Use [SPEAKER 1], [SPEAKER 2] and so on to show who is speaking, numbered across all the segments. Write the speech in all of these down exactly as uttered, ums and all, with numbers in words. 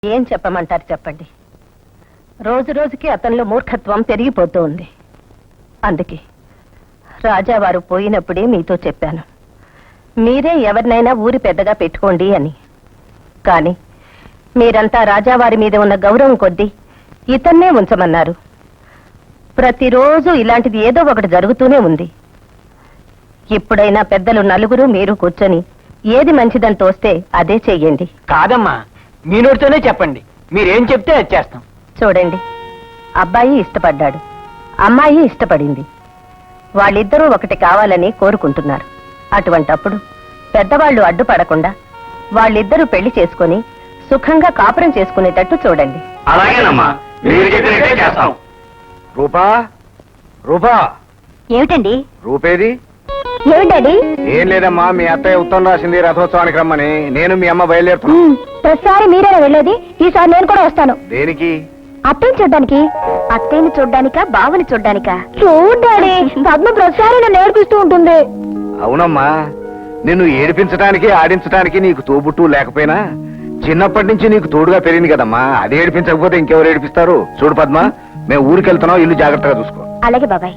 [SPEAKER 1] ఏం చెప్పమంటారు చెప్పండి. రోజు రోజుకి అతనిలో మూర్ఖత్వం పెరిగిపోతూ ఉంది. అందుకే రాజావారు పోయినప్పుడే మీతో చెప్పాను, మీరే ఎవరినైనా ఊరి పెద్దగా పెట్టుకోండి అని. కానీ మీరంతా రాజావారి మీద ఉన్న గౌరవం కొద్దీ ఇతన్నే ఉంచమన్నారు. ప్రతిరోజు ఇలాంటిది ఏదో ఒకటి జరుగుతూనే ఉంది. ఇప్పుడైనా పెద్దలు నలుగురు మీరు కూర్చొని ఏది మంచిదని తోస్తే అదే చెయ్యండి.
[SPEAKER 2] కాదమ్మా, మీ నోటితోనే చెప్పండి, మీరేం చెప్తే అది చేస్తాం.
[SPEAKER 1] చూడండి, అబ్బాయి ఇష్టపడ్డాడు, అమ్మాయి ఇష్టపడింది. వాళ్ళిద్దరూ ఒకటి కావాలని కోరుకుంటున్నారు. అటువంటప్పుడు పెద్దవాళ్లు అడ్డుపడకుండా వాళ్ళిద్దరూ పెళ్లి చేసుకుని సుఖంగా కాపురం చేసుకునేటట్టు చూడండి.
[SPEAKER 3] అలాగేనమ్మా, మీరు చెప్పినట్టే చేస్తాం.
[SPEAKER 4] రూపా, రూపా.
[SPEAKER 1] ఏమిటండి?
[SPEAKER 4] రూపేది?
[SPEAKER 1] ఏమిటండి?
[SPEAKER 4] ఏం లేదమ్మా, మీ అత్తయ్య ఉత్తరం రాసింది రథోత్సవానికి రమ్మని. నేను మీ అమ్మ బయలుదేరుతున్నా.
[SPEAKER 1] ప్రతిసారి మీరేనా వెళ్ళేది? ఈసారి నేను కూడా వస్తాను.
[SPEAKER 4] దేనికి?
[SPEAKER 1] అత్తయ్యని చూడ్డానికి. అత్తయ్యని చూడ్డానికా, బావని చూడ్డానికా? చూడ్డాని. పద్మ ప్రతిసారి నన్ను ఏడిపిస్తూ ఉంటుంది.
[SPEAKER 4] అవునమ్మా, నిన్ను ఏడిపించడానికి ఆడించడానికి నీకు తోబుట్టు లేకపోయినా చిన్నప్పటి నుంచి నీకు తోడుగా పెరిగింది కదమ్మా. అది ఏడిపించకపోతే ఇంకెవరు ఏడిపిస్తారు? చూడు పద్మ, మేము ఊరికి వెళ్తున్నాం, ఇల్లు జాగ్రత్తగా చూసుకో.
[SPEAKER 1] అలాగే బాబాయ్.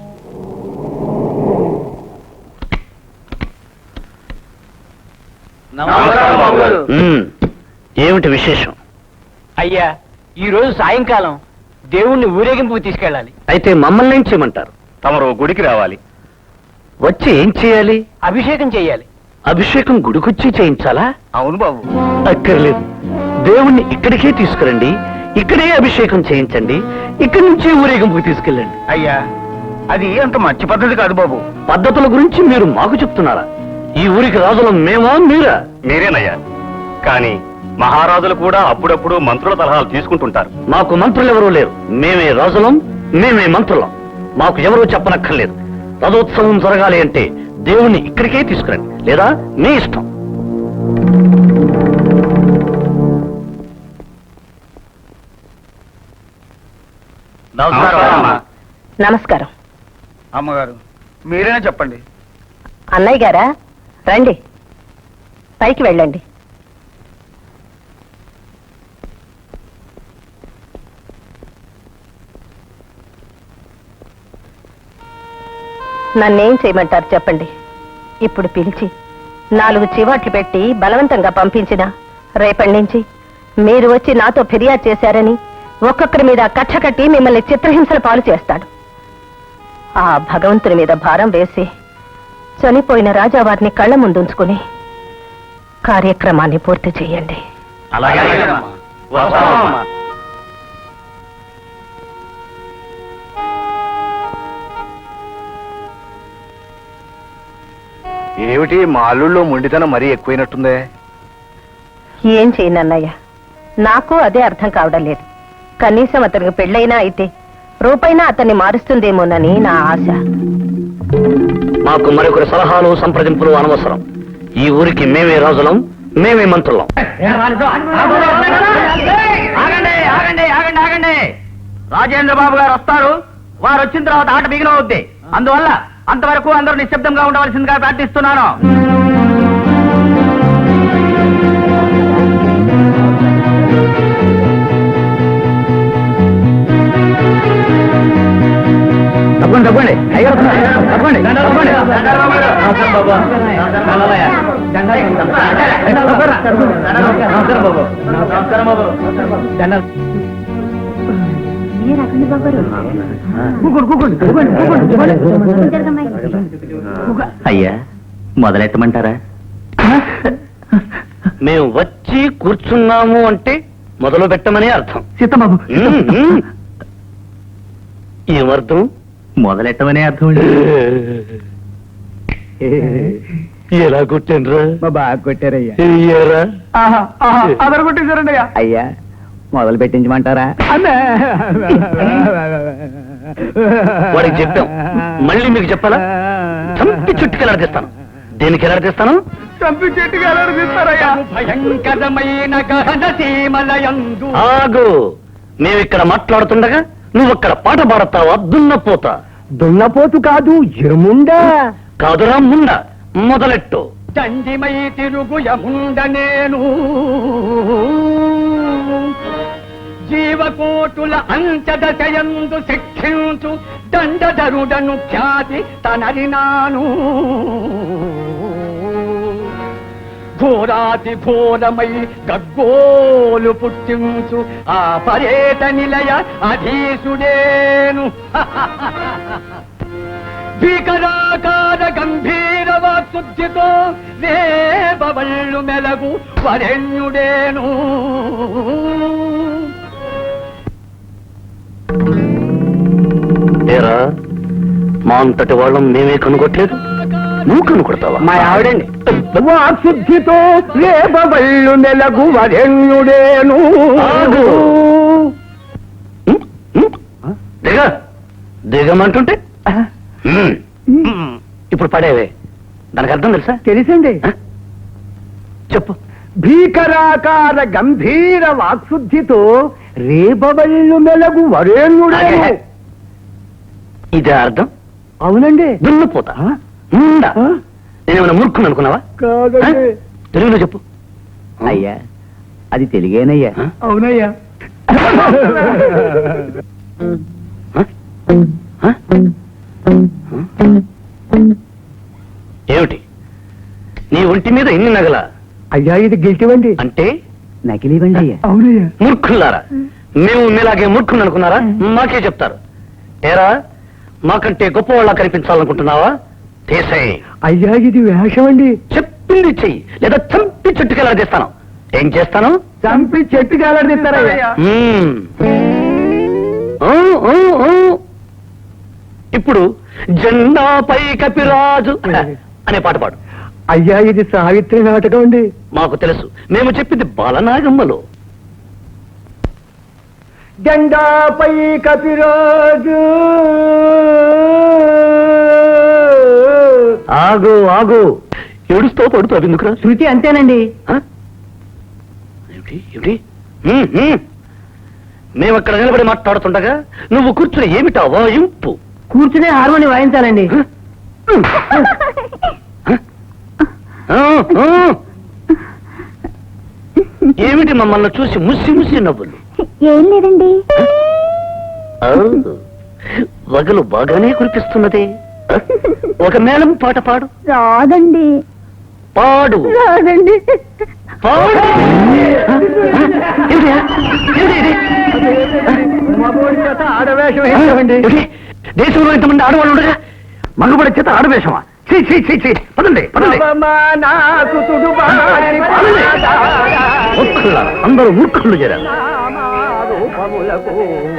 [SPEAKER 3] ఏమిటి విశేషం?
[SPEAKER 2] అయ్యా, ఈ రోజు సాయంకాలం దేవుణ్ణి ఊరేగింపు తీసుకెళ్ళాలి.
[SPEAKER 3] అయితే మమ్మల్ని ఏం చేయమంటారు?
[SPEAKER 4] తమరు గుడికి రావాలి.
[SPEAKER 3] వచ్చి ఏం చేయాలి?
[SPEAKER 2] అభిషేకం చెయ్యాలి.
[SPEAKER 3] అభిషేకం గుడికొచ్చి చేయించాలా?
[SPEAKER 4] అవును బాబు.
[SPEAKER 3] అక్కర్లేదు, దేవుణ్ణి ఇక్కడికే తీసుకురండి, ఇక్కడే అభిషేకం చేయించండి, ఇక్కడి నుంచి ఊరేగింపుకి తీసుకెళ్ళండి.
[SPEAKER 4] అయ్యా, అది అంత మంచి పద్ధతి కాదు బాబు.
[SPEAKER 3] పద్ధతుల గురించి మీరు మాకు చెప్తున్నారా? ఈ ఊరికి రాజులం మేమా మీరా?
[SPEAKER 5] మీరేనయ్యా, కానీ మహారాజులు కూడా అప్పుడప్పుడు మంత్రుల సలహాలు తీసుకుంటుంటారు.
[SPEAKER 3] మాకు మంత్రులు ఎవరూ లేరు. మేమే రాజులం, మేమే మంత్రులం. మాకు ఎవరూ చెప్పనక్కర్లేదు. రథోత్సవం జరగాలి అంటే దేవుణ్ణి ఇక్కడికే తీసుకురండి, లేదా మీ ఇష్టం.
[SPEAKER 1] నమస్కారం.
[SPEAKER 4] అమ్మగారు, మీరేనా చెప్పండి.
[SPEAKER 1] అన్నయ్య గారా, రండి, పైకి వెళ్ళండి. నన్నేం చేయమంటారు చెప్పండి. ఇప్పుడు పిలిచి నాలుగు చివాట్లు పెట్టి బలవంతంగా పంపించిన రేపటి నుంచి మీరు వచ్చి నాతో ఫిర్యాదు చేశారని ఒక్కొక్కరి మీద కచ్చ కట్టి మిమ్మల్ని చిత్రహింసల పాలు చేస్తాడు. ఆ భగవంతుని మీద భారం వేసి చనిపోయిన రాజావారిని కళ్ళ ముందుంచుకుని కార్యక్రమాన్ని పూర్తి చేయండి.
[SPEAKER 4] ఏమిటి మా అల్లుళ్ళో మొండితనం మరీ ఎక్కువైనట్టుందే.
[SPEAKER 1] ఏం చేయను అన్నయ్య, నాకు అదే అర్థం కావడం లేదు. కనీసం అతనికి పెళ్ళైనా అయితే రూపైనా అతన్ని మారుస్తుందేమోనని నా ఆశ.
[SPEAKER 3] మాకు మరొకరి సలహాలు సంప్రదింపులు అనవసరం. ఈ ఊరికి మేమే రాజులం, మేమే మంత్రులం.
[SPEAKER 2] ఆగండి ఆగండి ఆగండి ఆగండి రాజేంద్ర బాబు గారు వస్తారు. వారు వచ్చిన తర్వాత ఆట బిగినవుద్ది. అందువల్ల అంతవరకు అందరూ నిశ్శబ్దంగా ఉండవలసిందిగా ప్రార్థిస్తున్నాను. తప్పండి తప్పండి తప్పండి
[SPEAKER 3] అయ్యా, మొదలెట్టమంటారా? మేము వచ్చి కూర్చున్నాము అంటే మొదలు పెట్టమని అర్థం.
[SPEAKER 2] సీతబాబు,
[SPEAKER 3] ఏమర్థం?
[SPEAKER 2] మొదలెట్టమనే అర్థం.
[SPEAKER 3] ఎలా కొట్టానరా?
[SPEAKER 2] బాగా కొట్టారయ్యా.
[SPEAKER 3] అదర
[SPEAKER 2] కొట్టేశారండి అయ్యా. అయ్యా, మొదలు పెట్టించమంటారా?
[SPEAKER 3] వాడికి చెప్పాం, మళ్ళీ మీకు చెప్పాలా? చంపి చుట్టుకి ఎలాడిస్తాను. దేనికి ఎలాడిస్తాను?
[SPEAKER 2] చంపి చెట్టుకి ఎలాడిస్తారయ్యా. భయంకరమైన గహన సీమలయందు.
[SPEAKER 3] ఆగు, మేమిక్కడ మాట్లాడుతుండగా నువ్వక్కడ పాట పాడతావా? దున్నపోత.
[SPEAKER 2] దున్నపోతు కాదు, ఎముండా.
[SPEAKER 3] కాదురా ముండ. మొదలెట్టు.
[SPEAKER 2] దండిమై తిరుగు యముండ నేను
[SPEAKER 6] జీవకోటుల అంచదశయందు శిక్షించు దండధరుడను ఖ్యాతి తనరినాను ఘోరాతి ఘోరమై గగ్గోలు పుట్టించు ఆ పర్యట నిలయ అధీసుడేను భీకరాకార గంభీర వాక్శుద్ధితో రేపవళ్ళు మెలగు వరెణ్యుడేను
[SPEAKER 3] ఏరా మా అంతటి వాళ్ళం మేమే కనుగొట్టలేదు నువ్వు కనుకొడతావా
[SPEAKER 6] మా ఆవిడండి వాక్శుద్ధితో రేపవళ్ళు మెలగు వరెణ్యుడేను
[SPEAKER 3] ఆగు. ఉం? ఉం? దిగ దిగమంటుంటే ఉం. ఇప్పుడు పడేవే దానికి అర్థం తెలుసా
[SPEAKER 6] తెలుసండి
[SPEAKER 3] ఆ? చెప్పు
[SPEAKER 6] భీకరాకార గంభీర వాక్శుద్ధితో రేపవళ్ళు మెలగు వరేణ్యుడేను
[SPEAKER 3] అదే. ఇదే అర్థం
[SPEAKER 6] అవునండి
[SPEAKER 3] దున్నపోతా ఉందా నేనేమైనా మూర్ఖుని అనుకున్నావా
[SPEAKER 6] కాదండి
[SPEAKER 3] ఆ? తెలుగులో చెప్పు
[SPEAKER 6] అయ్యా అది తెలుగేనయ్యా
[SPEAKER 3] ఆ?
[SPEAKER 6] అవునయ్యా
[SPEAKER 3] ఆ? ఆ? ఏమిటి నీ ఒంటి మీద ఎన్ని నగల
[SPEAKER 6] అయ్యా ఇది గెలిటివండి
[SPEAKER 3] అంటే
[SPEAKER 6] నకిలీవండి అయ్యా అవునయ్యా
[SPEAKER 3] మూర్ఖులారా మేము మీలాగే మూర్ఖుని అనుకున్నారా మాకే చెప్తారు ఏరా మాకంటే గొప్పవాళ్ళ కనిపించాలనుకుంటున్నావా తీసేయ్
[SPEAKER 6] అయ్యా ఇది వేషం అండి
[SPEAKER 3] చెప్పింది చెయ్యి లేదా చంపి చుట్టుకెలా తీస్తాను ఏం చేస్తాను
[SPEAKER 6] చంపి చెట్టు కాలడిస్తారయ్యా
[SPEAKER 3] మ్మ్. ఊ, ఊ, ఊ. ఇప్పుడు జెండాపై కపిరాజు అనే పాట పాడు
[SPEAKER 6] అయ్యా ఇది సావిత్రి నాటకం అండి
[SPEAKER 3] మాకు తెలుసు మేము చెప్పింది బాలనాగమ్మలో
[SPEAKER 6] జెండాపై కపిరాజు
[SPEAKER 3] ఆగు ఆగు ఏడుస్తూ పడుతూ అవి ఎందుకురా
[SPEAKER 6] శృతి అంతేనండి
[SPEAKER 3] ఆ? ఏమిటి ఏమిటి మ్మ్, మ్మ్. మేము అక్కడ నిలబడి మాట్లాడుతుండగా నువ్వు కూర్చుని ఏమిటా వాయింపు
[SPEAKER 6] కూర్చునే హార్మోని వాయించాలండి
[SPEAKER 3] ఆ, ఆ. ఏమిటి మమ్మల్ని చూసి ముసి ముసి నవ్వులు
[SPEAKER 7] ఏం లేదండి
[SPEAKER 3] ఆ, వగలు బాగానే కురిపిస్తున్నదే ఒక మేళం పాట పాడు
[SPEAKER 7] రాదండి
[SPEAKER 3] పాడు
[SPEAKER 7] రాదండి
[SPEAKER 3] పాడు ఏమిటి? ఏమిటి ఇది?
[SPEAKER 6] మగోడి చేత ఆడవేషం వేస్తామండి
[SPEAKER 3] ఏమిటి? దేశంలో ఇంతమంది ఆడవాళ్ళు ఉండగా మగబడి చేత ఆడవేషమా చీ చీ చీ చీ పదండి పదండి
[SPEAKER 6] అవమానాకుతుడు బారి
[SPEAKER 3] పదండి. మూర్ఖులారా, అందరూ మూర్ఖులు చేరారు
[SPEAKER 6] రూపములకు